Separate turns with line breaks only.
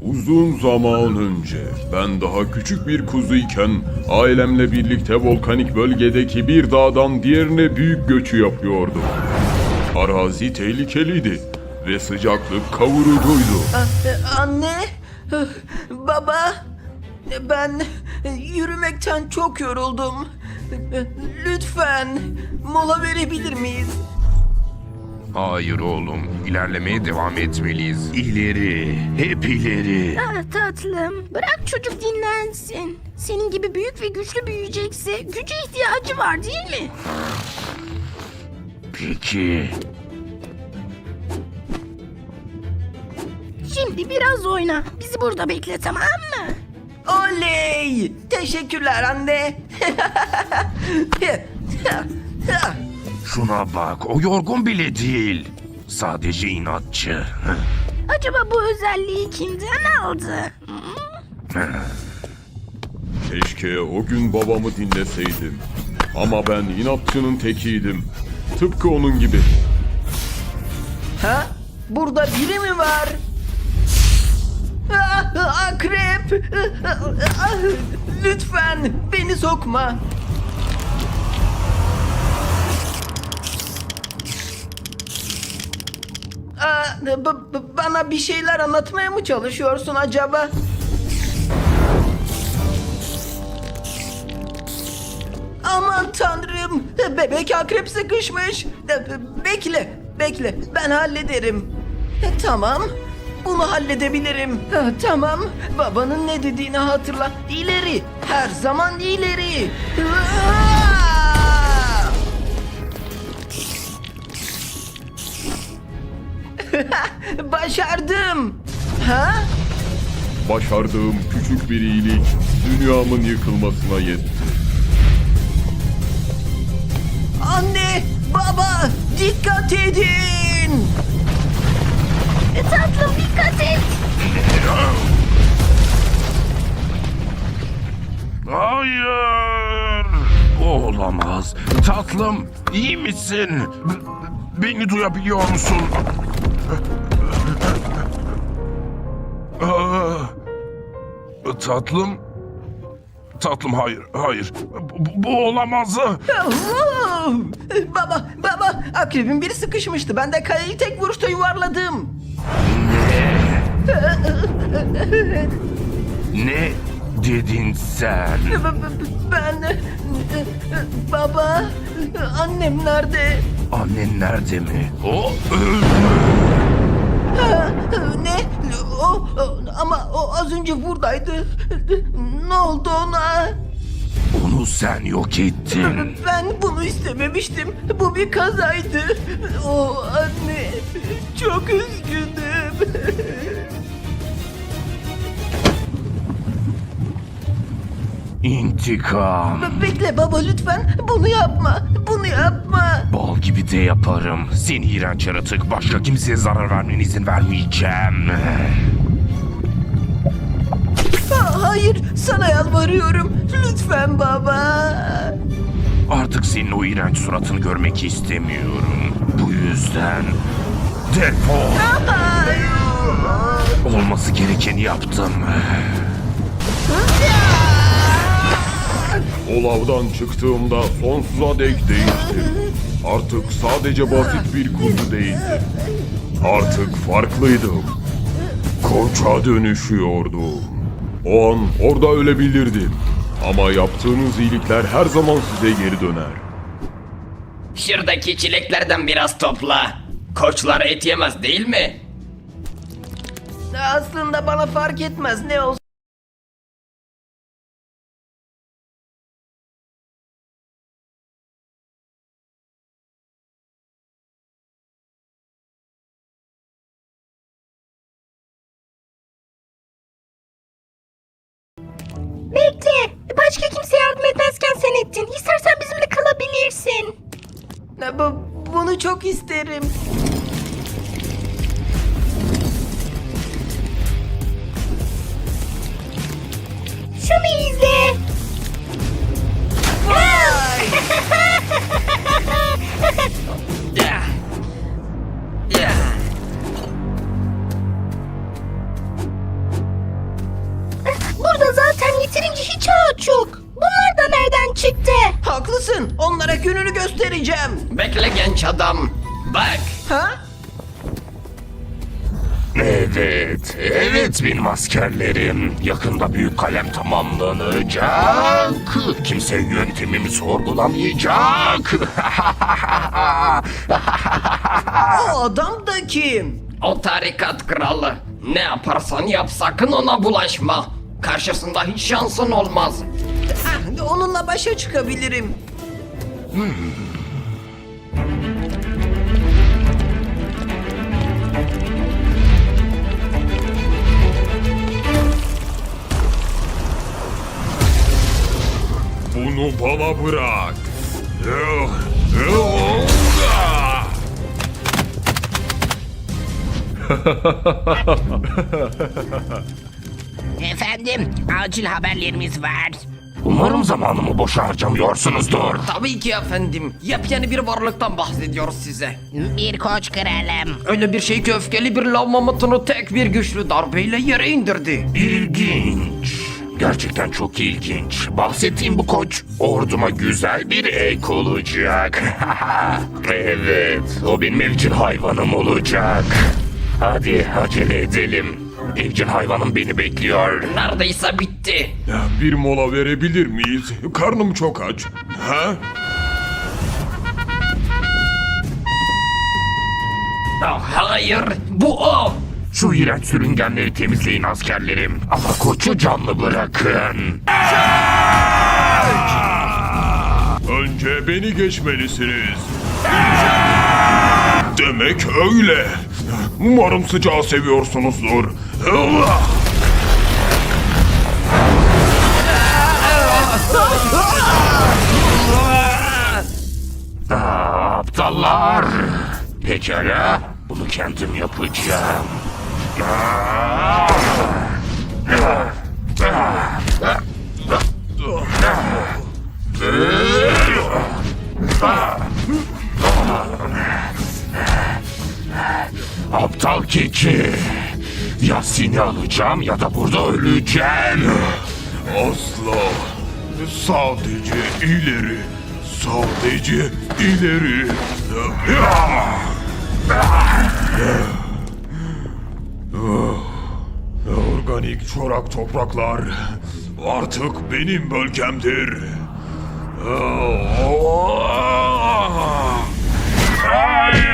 Uzun zaman önce ben daha küçük bir kuzuyken ailemle birlikte volkanik bölgedeki bir dağdan diğerine büyük göçü yapıyordum. Arazi tehlikeliydi ve sıcaklık kavurucuydu.
Anne, baba, ben yürümekten çok yoruldum. Lütfen mola verebilir miyiz?
Hayır oğlum, ilerlemeye devam etmeliyiz. İleri, hep ileri.
Ah tatlım, bırak çocuk dinlensin. Senin gibi büyük ve güçlü büyüyecekse güce ihtiyacı var değil mi?
Peki.
Şimdi biraz oyna. Bizi burada bekle, tamam mı?
Oley! Teşekkürler anne.
Şuna bak, o yorgun bile değil. Sadece inatçı.
Acaba bu özelliği kimden aldı?
Keşke o gün babamı dinleseydim. Ama ben inatçının tekiydim. Tıpkı onun gibi.
Ha? Burada biri mi var? Akrep! Lütfen beni sokma. Bana bir şeyler anlatmaya mı çalışıyorsun acaba? Aman tanrım! Bebek akrep sıkışmış. Bekle. Ben hallederim. Tamam. Bunu halledebilirim. Tamam. Babanın ne dediğini hatırla. İleri. Her zaman ileri. Başardım. Ha?
Başardığım küçük bir iyilik dünyamın yıkılmasına yetti.
Anne, baba, dikkat edin.
Tatlım dikkat et.
Hayır! Olamaz. Tatlım, iyi misin? Beni duyabiliyor musun? Tatlım? Tatlım hayır. Bu olamaz.
Baba, akrebin biri sıkışmıştı. Ben de kaleyi tek vuruşta yuvarladım.
Ne dedin sen?
Ben... Baba, annem nerede?
Annen nerede mi? O
Ne? Ama o az önce buradaydı. Ne oldu ona?
onu sen yok ettin.
Ben bunu istememiştim. Bu bir kazaydı. Anne, çok üzgünüm.
İntikam.
Bekle baba lütfen. Bunu yapma.
Bal gibi de yaparım. Seni iğrenç yaratık. Başka kimseye zarar vermene izin vermeyeceğim.
Hayır, sana yalvarıyorum. Lütfen baba.
Artık senin o iğrenç suratını görmek istemiyorum. Bu yüzden defol.
Hayır.
Olması gerekeni yaptım.
O lavdan çıktığımda sonsuza dek değiştim. Artık sadece basit bir kuzu değildim. Artık farklıydım. Koça dönüşüyordum. O an orada ölebilirdim. Ama yaptığınız iyilikler her zaman size geri döner.
Şuradaki çileklerden biraz topla. Koçlar et yemez değil mi?
Aslında bana fark etmez ne olsun.
Bekle. Başka kimse yardım etmezken sen ettin. İstersen bizimle kalabilirsin.
Bunu çok isterim.
Şunu izle.
Vay!
hiç ağaç yok. Bunlar da nereden çıktı?
Haklısın. Onlara gününü göstereceğim.
Bekle genç adam. Bak.
Ha?
Evet, evet benim askerlerim. Yakında büyük kalem tamamlanacak. Kimse yöntemimi sorgulamayacak.
O adam da kim?
O tarikat kralı. Ne yaparsan yap sakın ona bulaşma. Karşısında hiç şansın olmaz.
Ah, onunla başa çıkabilirim.
Bunu bana bırak.
Efendim, acil haberlerimiz var.
Umarım zamanımı boşa harcamıyorsunuzdur.
Tabii ki efendim. Yepyeni bir varlıktan bahsediyoruz size.
Bir koç kralım.
Öyle bir şey ki öfkeli bir lav mamutunu tek bir güçlü darbeyle yere indirdi.
İlginç. Gerçekten çok ilginç. Bahsettiğim bu koç orduma güzel bir ek olacak. Evet, o benim evcil hayvanım olacak. Hadi acele edelim. Evcil hayvanım beni bekliyor.
Neredeyse bitti.
Bir mola verebilir miyiz? Karnım çok aç. Ha?
Ah, hayır, bu o.
Şu iğrenç sürüngenleri temizleyin askerlerim. Ama koçu canlı bırakın.
Önce beni geçmelisiniz. Demek öyle. Umarım sıcağı seviyorsunuzdur.
Aptallar. Pekala, bunu kendim yapacağım. Aptal keçi. Ya seni alacağım ya da burada öleceğim.
Asla. Sadece ileri. Sadece ileri. Organik çorak topraklar artık benim bölgemdir. Hayır!